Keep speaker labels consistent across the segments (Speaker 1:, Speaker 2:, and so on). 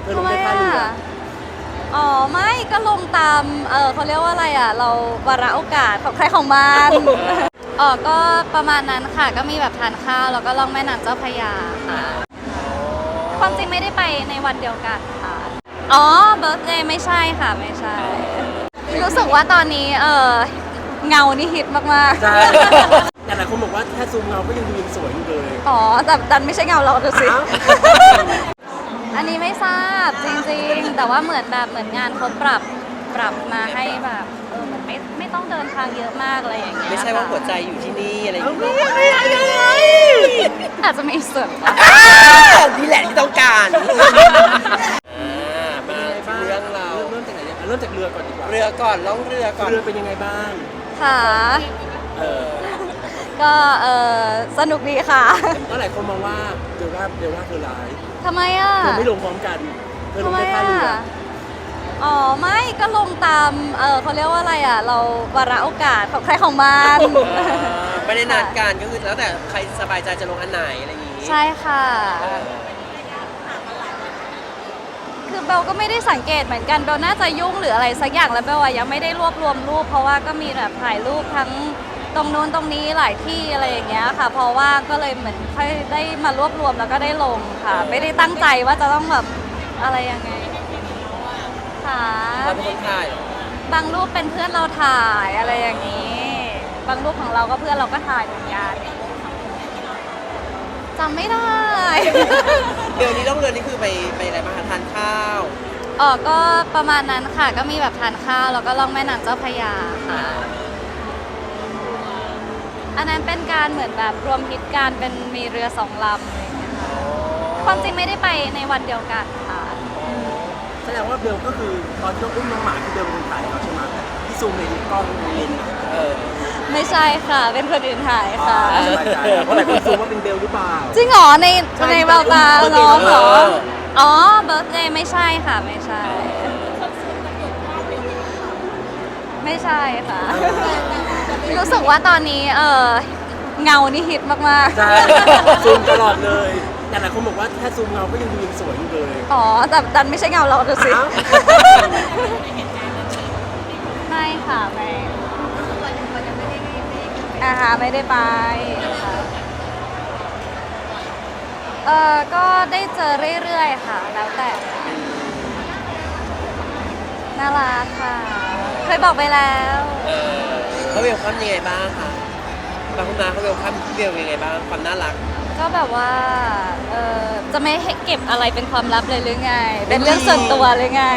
Speaker 1: อลงได้ท่าเรือ
Speaker 2: อ๋อไม่ก็ลงตามเขาเรียกว่าอะไรอ่ะเราวาระโอกาสของใครของมัน อ๋อก็ประมาณนั้นค่ะก็มีแบบทานข้าวแล้วก็ล่องแม่น้ำเจ้าพระยาค่ะความจริงไม่ได้ไปในวันเดียวกันค่ะอ๋อเบิร์ธเดย์ไม่ใช่ค่ะไม่ใช่รู้สึกว่าตอนนี้เงานี่ฮิตมากๆ
Speaker 1: ใช่แต่หลายคนบอกว่าแค่ซูมเงาก็ยังดูยังสวยอยู่เลย
Speaker 2: อ๋อแต่ดันไม่ใช่เงาเราดูสิ
Speaker 1: อ้าว
Speaker 2: อันนี้ไม่ทราบจริงๆ แต่ว่าเหมือนงานเขาปรับมาให้แบบเหมือนไม่ต้องเดินทางเยอะมากอะไรอย่างเงี้ย
Speaker 3: ไม่ใช่ว่าหัวใจ
Speaker 2: ค่ะ
Speaker 3: อยู่ที่นี่อะไรอย่างเงี้ย
Speaker 2: อาจจะมีส่วน
Speaker 3: นี่แหละที่ต้องการ
Speaker 1: เป็น
Speaker 3: มา
Speaker 1: ยังไงบ้าง
Speaker 3: เรื่องเรา
Speaker 1: เริ่มจากไหนเนี่ยเริ่มจากเรือก่อนดีกว่า
Speaker 3: เรือก่อนล่องเรือก่อน
Speaker 1: เรือเป็นยังไงบ้าง
Speaker 2: ค่ะ
Speaker 3: เออ
Speaker 2: ก็สนุกดีค่ะ
Speaker 1: ก็หลายคนมองว่าเดลว่าเธอร้าย
Speaker 2: ทำไมอ่ะ
Speaker 1: เธอไม่ลงพร้อมกันเธอล
Speaker 2: ทำ
Speaker 1: ง
Speaker 2: ไม
Speaker 1: ได้ท่า
Speaker 2: อ่ะ
Speaker 1: เรือ
Speaker 2: อ๋อไม่ก็ลงตามเขาเรียกว่าอะไรอ่ะเราวาระโอกาสของใครของมัน
Speaker 3: ไม่ได้นัดกันก็คือแล้วแต่ใครสบายใจจะลงอันไหนอะไรอย่างงี้
Speaker 2: ใช่ค่ะ
Speaker 3: เออ
Speaker 2: คือเบลก็ไม่ได้สังเกตเหมือนกันเบลน่าจะยุ่งหรืออะไรสักอย่างแล้วเบลอะยังไม่ได้รวบรวมรูปเพราะว่าก็มีแบบถ่ายรูปทั้งตรงนู้นตรงนี้หลายที่อะไรอย่างเงี้ยค่ะเพราะว่าก็เลยเหมือนค่อยได้มารวบรวมแล้วก็ได้ลงค่ะ ไม่ได้ตั้งใจว่าจะต้องแบบอะไรยังไงค่ะ
Speaker 3: เราเป็นคนถ่ายเหรอบ
Speaker 2: างรูปเป็นเพื่อนเราถ่ายอะไรอย่างนี้ บางรูปของเราก็เพื่อนเราก็ถ่ายเหมือนกันจำไม่ได้
Speaker 3: เรือนี้ล่องเรือนี่คือไปอะไรบ้างคะทานข้าว
Speaker 2: อ๋อก็ประมาณนั้นค่ะ ก็มีแบบทานข้าวแล้วก็ล่องแม่น้ำเจ้าพระยาค่ะ อันนั้นเป็นการเหมือนแบบรวมฮิตการเป็นมีเรือสองลำอะไรอย่างเงี้ยค่ะความจริงไม่ได้ไปในวันเดียวกันค่ะ
Speaker 1: แสดงว่าเบลก็คือตอนที่เราอุ้มน้องหมาที่เบลเป็นคนถ่ายเขาใช่ไหมที่ซูมในกล้องเลนส์อะ
Speaker 3: เออ
Speaker 2: ไม่ใช่ค่ะ เป็นคนอื่นถ่ายค่ะ
Speaker 1: สบายใจเพราะหลายคนซูมว่าเป็นเบลหรือเปล่า
Speaker 2: จริงเหรอในแววตา
Speaker 1: เบิร์ธเดย์
Speaker 2: น้องเหรอ
Speaker 3: เออ
Speaker 2: อ๋อเบิร์ธเดย์ไม่ใช่ค่ะไม่ใช่ ไม่ใช่ค่ะ รู้สึกว่าตอนนี้เงานี่ฮิตมากๆ
Speaker 1: ใช่ซูมตลอดเลยแต่หลายคนบอกว่าแค่ซูมเงาก็ยังดูยังสวยอยู่เลย
Speaker 2: อ๋อแต่ดันไม่ใช่เงาเราดูสิ
Speaker 1: อ้าว
Speaker 2: ไม่ค่ะไม่ไม่ได้ไปค่ะก็ได้เจอเรื่อยๆค่ะ แล้วแต่น่ารักค่ะ เคยบอกไปแล้ว
Speaker 3: เออเขาเวลคัมยังไงบ้างคะบางคนมาเขาเวลคัมพี่เบลยังไงบ้างความน่ารัก
Speaker 2: ก็แบบว่าจะไม่ให้เก็บอะไรเป็นความลับเลยหรือไง เป็นเรื่องส่วนตัวเลยไง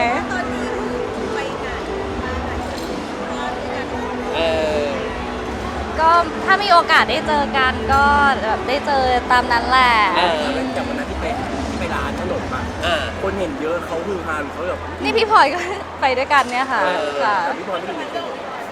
Speaker 3: เออ
Speaker 2: ก็ถ้ามีโอกาสได้เจอกันก็แบบได้เจอตามนั้นแหละ
Speaker 3: เออ
Speaker 1: จากวันนั้นที่ไปร้านขนมอะ
Speaker 3: อ่า
Speaker 1: คนเห็นเยอะเขาฮือฮาหรือเขาแบบ
Speaker 2: นี่พี่พลอยก็ ไปด้วยกันเนี่ยค่ะ ค่ะ
Speaker 1: พี่พลอยไม่ได้อยู่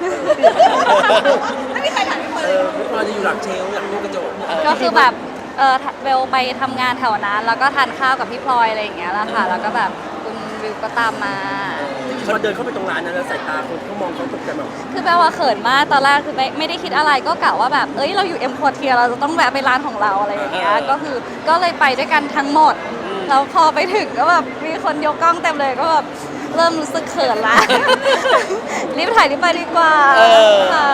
Speaker 1: พี่พลอยจะอยู่หลังเชลฟ์หลังตู้กระจก
Speaker 2: ก็คือแบบเบลไปทำงานแถวนั้น แล้วก็ทานข้าวกับพี่พลอยอะไรอย่างเงี้ยแหละค่ะ แล้วก็แบบคุณวิวก็ตามมา
Speaker 1: พอเดินเข้าไปตรงร้านนั้นแล้วสายตาคนเขามองเขาตกใจแบบ
Speaker 2: คือแปลว่าเขินมากตอนแรกคือไม่ได้คิดอะไรก็กะว่าแบบเอ้ยเราอยู่เอ็มพอร์เทียเราจะต้องแวะไปร้านของเราอะไรอย่างเงี้ยก็เลยไปด้วยกันทั้งหมดแล้วพอไปถึงก็แบบมีคนยกกล้องเต็มเลยก็แบบเริ่มรู้สึกเขินละ รีบถ่ายรีบไปดีกว่าค่ะ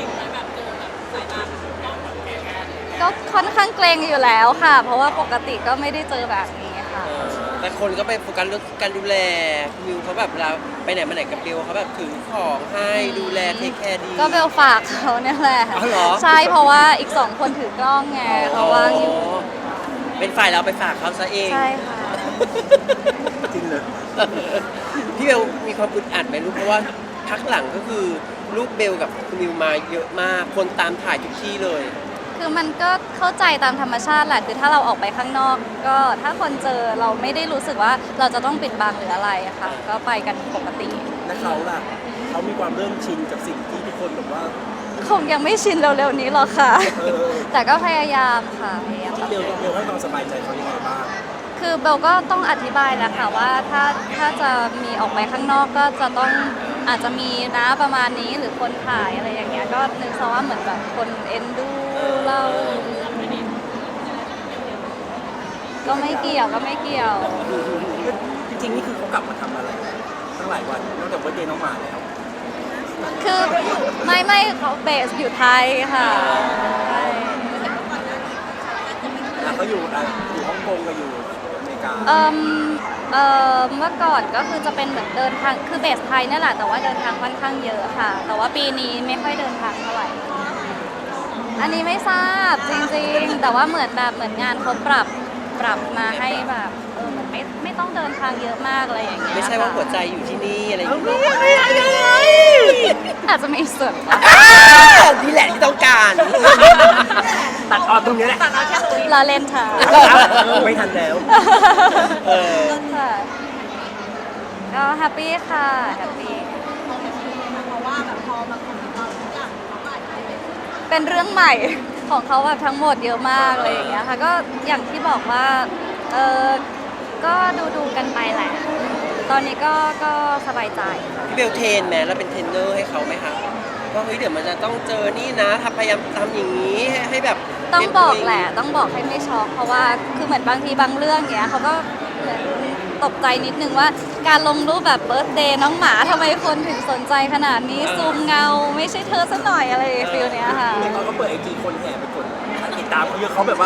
Speaker 2: ก็ค่อนข้างเกรงอยู่แล้วค่ะ เพราะว่าปกติก็ไม่ได้เจอแบบนี้ค่ะ
Speaker 3: แต่คนก็ไปโฟกัสเรื่องการดูแลมิวเขาแบบเราไปไหนมาไหนกับเบลเขาแบบถือของให้ดูแลเทคแคร์ดี
Speaker 2: ก็เบลฝากเขาเนี่ยแหละ
Speaker 3: อ๋อเหรอ
Speaker 2: ใช่เพราะว่าอีก2คนถือกล้องไงเขาว่างอยู่
Speaker 3: เป็นฝ่ายเราไปฝากเขาซะเอง
Speaker 2: ใช่ค่ะ
Speaker 1: จริงเลย
Speaker 3: พี่เบลมีความอึดอัดไหมลูกเพราะว่าพักหลังก็คือลูกเบลกับคุณมิวมาเยอะมาก คนตามถ่ายทุกที่เลย
Speaker 2: คือมันก็เข้าใจตามธรรมชาติแหละคือถ้าเราออกไปข้างนอก ก็ถ้าคนเจอเราไม่ได้รู้สึกว่าเราจะต้องปิดบังหรืออะไรอะค่ะ ก็ไปกันปกติ
Speaker 1: และเขาล่ะเขามีความเริ่มชินกับสิ่งที่ทุกคนแบบว่า
Speaker 2: คงยังไม่ชินเร็วๆนี้หรอกค่ะ
Speaker 1: เออ
Speaker 2: แต่ก็พยายามค่ะพยายามปรับ
Speaker 1: เบลให้ความสบายใจเขายังไงบ้าง
Speaker 2: คือเบลก็ต้องอธิบายแหละค่ะว่าถ้าจะมีออกไปข้างนอกก็จะต้องอาจจะมีนะประมาณนี้หรือคนถ่ายอะไรอย่างเงี้ยก็นึกซะว่าเหมือนแบบคนเอ็นดูเราก็ไม่เกี่ยว
Speaker 1: จริงริงๆนี่คือเขากลับมาทำอะไรตั้งหลายวันนอกจากวันเดย์น้องหมาแล้ว
Speaker 2: คือไม่เขาเบสอยู่ไทยค่ะใช่
Speaker 1: เขาอยู่ฮ่องกงกับอยู่อเมริกา
Speaker 2: เมื่อก่อนก็คือจะเป็นเหมือนเดินทางคือเบสไทยนี่แหละแต่ว่าเดินทางค่อนข้างเยอะค่ะ แต่ว่าปีนี้ไม่ค่อยเดินทางเท่าไหร่อันนี้ไม่ทราบจริงๆแต่ว่าเหมือนงานเขาปรับมาให้แบบเหมือนไม่ต้องเดินทางเยอะมากอะไรอย่างเงี้ย
Speaker 3: ไม่ใช่ว่าหัวใจอยู่ที่นี่อะไรอย่างเงี้ย
Speaker 2: อาจจะมีส่วน
Speaker 3: นี่แหละที่ต้องการ
Speaker 1: ตัดออนตรงนี้แหละ
Speaker 2: ลาเล่นค่ะ
Speaker 1: ไม่ทันแล้ว
Speaker 3: เออ
Speaker 2: ค่ะก็แฮปปี้ค่ะแฮปปี้เป็นเรื่องใหม่ของเขาแบบทั้งหมดเยอะมากเลยอย่างเงี้ยค่ะก็อย่างที่บอกว่าก็ดูกันไปแหละ ตอนนี้ก็สบายใจ
Speaker 3: พี่เบลเทรนไหมแล้วเป็นเทรนเนอร์ให้เขาไหมคะว่าเฮ้ยเดี๋ยวมันจะต้องเจอนี่นะพยายามทำอย่างนี้ให้แบบ
Speaker 2: ต้องบอกแหละต้องบอกให้ไม่ช็อกเพราะว่าคือเหมือนบางทีบางเรื่องเงี้ยเขาก็เหมือนตกใจนิดนึงว่าการลงรูปแบบเบิร์ธเดย์น้องหมาทำไมคนถึงสนใจขนาดนี้ซูมเงาไม่ใช่เธอซะหน่อยอะไรฟิลเนี้ยค่ะ
Speaker 1: เขาก็เปิดไอจีคนแห่ไปกดติดตามเขาเยอะเขาแบบว่า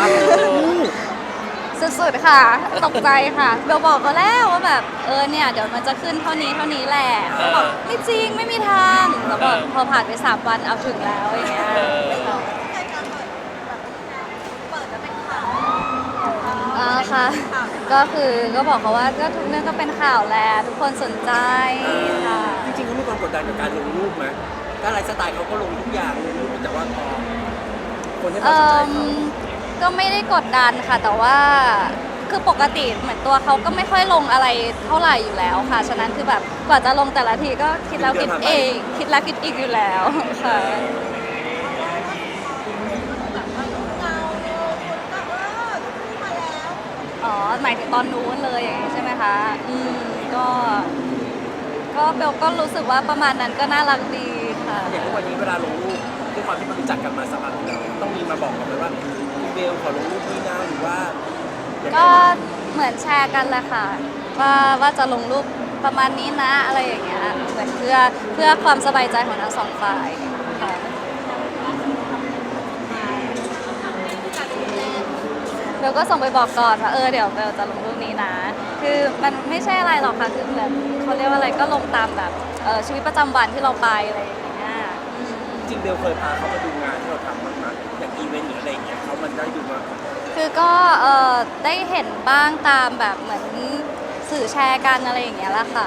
Speaker 2: สุดๆค่ะตกใจค่ะเบลบอกเขาแล้วว่าแบบเนี่ยเดี๋ยวมันจะขึ้นเท่านี้แหละเขาบอกไม่จริงไม่มีทางแล้วบอกพอผ่านไป3 วันเอาถึงแล้วอย่างเงี้ยค่ะก็คือก็บอกเขาว่าก็ทุกเรื่องก็เป็นข่าวแหละทุกคนสนใจค่ะ
Speaker 1: จริงๆเขามีความกดดันกับการลงรูปไหมถ้าไลฟ์สไตล์เขาก็ลงทุกอย่างลงรูปแต่ว่าพอคนให้ความสนใจเขา
Speaker 2: ก็ไม่ได้กดดันค่ะแต่ว่าคือปกติเหมือนตัวเขาก็ไม่ค่อยลงอะไรเท่าไหร่อยู่แล้วค่ะฉะนั้นคือแบบกว่าจะลงแต่ละทีก็คิดแล้วคิดเองคิดแล้วคิดอีกอยู่แล้วค่ะอ๋อหมายถึงตอนนู้นเลยอย่างนี้ใช่ไหมคะก็เบลก็รู้สึกว่าประมาณนั้นก็น่ารักดีค่ะ
Speaker 1: อย่างทุกวันนี้เวลาลงรูปด้วยความที่มันรู้จักกันมาสักพักแล้วต้องมีมาบอกกันไหมว่าพี่เบลขอลงรูปนี้นะหรือว่ายังไง
Speaker 2: ก็เหมือนแชร์กันแหละค่ะว่าจะลงรูปประมาณนี้นะอะไรอย่างเงี้ยเหมือนเพื่อความสบายใจของทั้งสองฝ่ายค่ะเบลก็ส่งไปบอกก่อนว่าเดี๋ยวเบลจะลงรูปนี้นะ คือมันไม่ใช่อะไรหรอกค่ะคือเหมือนเขาเรียกว่าอะไรก็ลงตามแบบชีวิตประจำวันที่เราไปอะไรอย่างเงี้ย
Speaker 1: จริงเบลเคยพาเขามาดูงานที่เราทำบ้างไหมอย่างอีเวนต์หรืออะไรอย่างเงี้ยเขามันได้ดูมา
Speaker 2: คือก็ได้เห็นบ้างตามแบบเหมือนสื่อแชร์กันอะไรอย่างเงี้ยแหละค่ะ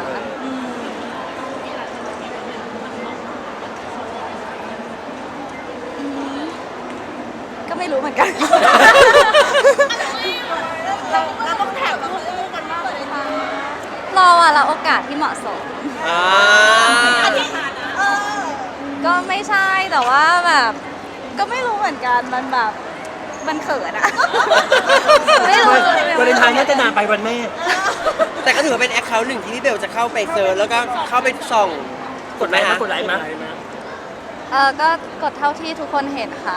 Speaker 2: ก็ไม่รู้เหมือนกัน
Speaker 4: เราต้องแท็กคู่กันมากเลยค่ะ
Speaker 2: รอว่าเราโอกาสที่เหมาะสม
Speaker 3: อ่า
Speaker 2: ก็ไม่ใช่แต่ว่าแบบ ก็ไม่รู้เหมือนกันมันแบบมันเขินอะ ไม่รู้
Speaker 1: วาเลนไทน์น่าจะนานไปวันแม่
Speaker 3: แต่ก็ถือว่าเป็นแอคเคาท์หนึ่งที่พี่เบลจะเข้าไปเซิร์ชแล้วก็เข้าไปส่อง
Speaker 1: กดไลค์มั้ยกดไลค์มั้ย
Speaker 2: ก็กดเท่าที่ทุกคนเห็นค่ะ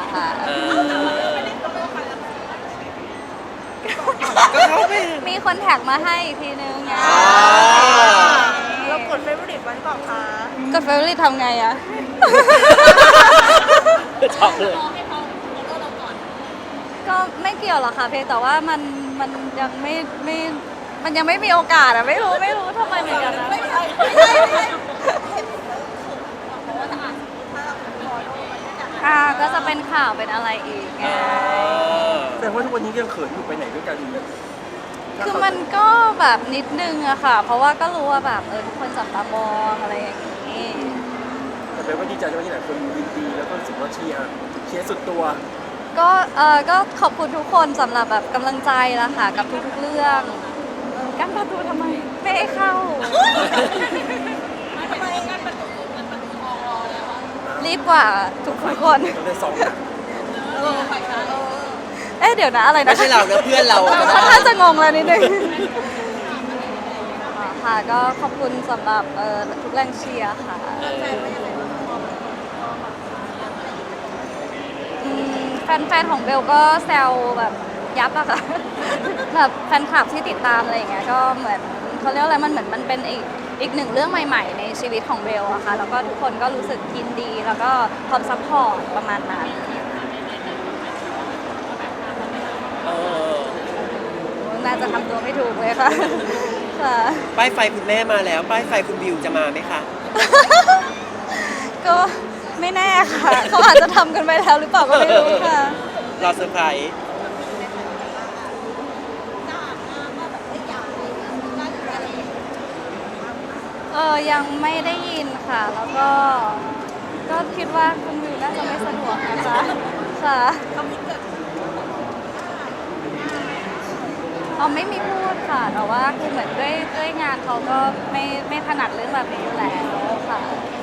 Speaker 3: ก็เข้าไป
Speaker 2: มีคนแท็กมาให้อีกทีนึงไง
Speaker 4: เรากดเฟเวอร์ริตไว้หรือเปล่าคะ
Speaker 2: กดเฟรนด์ทำไงอะ
Speaker 3: ชอบเลย
Speaker 2: ก็ไม่เกี่ยวหรอกค่ะเพียงแต่ว่ามันยังไม่มันยังไม่มีโอกาสอะไม่รู้ทำไมเหมือนกันนะ
Speaker 4: ไม่ใช่
Speaker 2: ก็จะเป็นข่าวเป็นอะไรอีกไง
Speaker 1: แสดงว่าทุกวันนี้ยังเขินอยู่ไปไหนด้วยกัน
Speaker 2: คือมันก็แบบนิดนึงอะค่ะ เพราะว่าก็รู้ว่าแบบทุกคนจับตามองอะไรอย่างนี้
Speaker 1: แต่เป็นว่าดีใจที่หลายคนยินดีแล้วก็รู้สึกว่าเชียร์สุดตัว
Speaker 2: ก็ขอบคุณทุกคนสำหรับแบบกำลังใจละค่ะกับทุกๆเรื่องกั้นประตูทำไมไม่ให้เข้า รีบกว่าทุกคน
Speaker 1: เราได้สองนะ
Speaker 2: เดี๋ยวนะอะไรนะ
Speaker 3: ไม่ใช่เรานะเพื่อนเราอะ
Speaker 2: ค่อนข้างจะงงแล้วนิดนึงค่ะก็ขอบคุณสำหรับทุกแรงเชียร์ค่ะแฟนๆของเบลก็แซวแบบยับอะค่ะ แบบแฟนคลับที่ติดตามอะไรอย่างเงี้ยก็เหมือนเขาเรียกอะไรมันเหมือนมันเป็นอีกหนึ่งเรื่องใหม่ๆในชีวิตของเบลอะค่ะแล้วก็ทุกคนก็รู้สึกยินดีแล้วก็พร้อมซัพพอร์ตประมาณนั้น
Speaker 3: เออ
Speaker 2: น่าจะทำตัวไม่ถูกเลยค่ะ ค่ะ
Speaker 3: ป้ายไฟคุณแม่มาแล้ว ป้ายไฟคุณบิวจะมาไหมคะ
Speaker 2: ก็ไม่แน่ค่ะ เขาอาจจะทำกันไปแล้วหรือเปล่าก็ไม่รู้ค่ะ
Speaker 3: รอเซอร์ไพรส์
Speaker 2: ยังไม่ได้ยินค่ะ แล้วก็คิดว่าคุณวิวน่าจะไม่สะดวกนะคะค่ะไม่มีพูดค่ะแต่ว่าคือเหมือนด้วยงานเขาก็ไม่ถนัดเรื่องแบบนี้อยู่แล้วค่ะ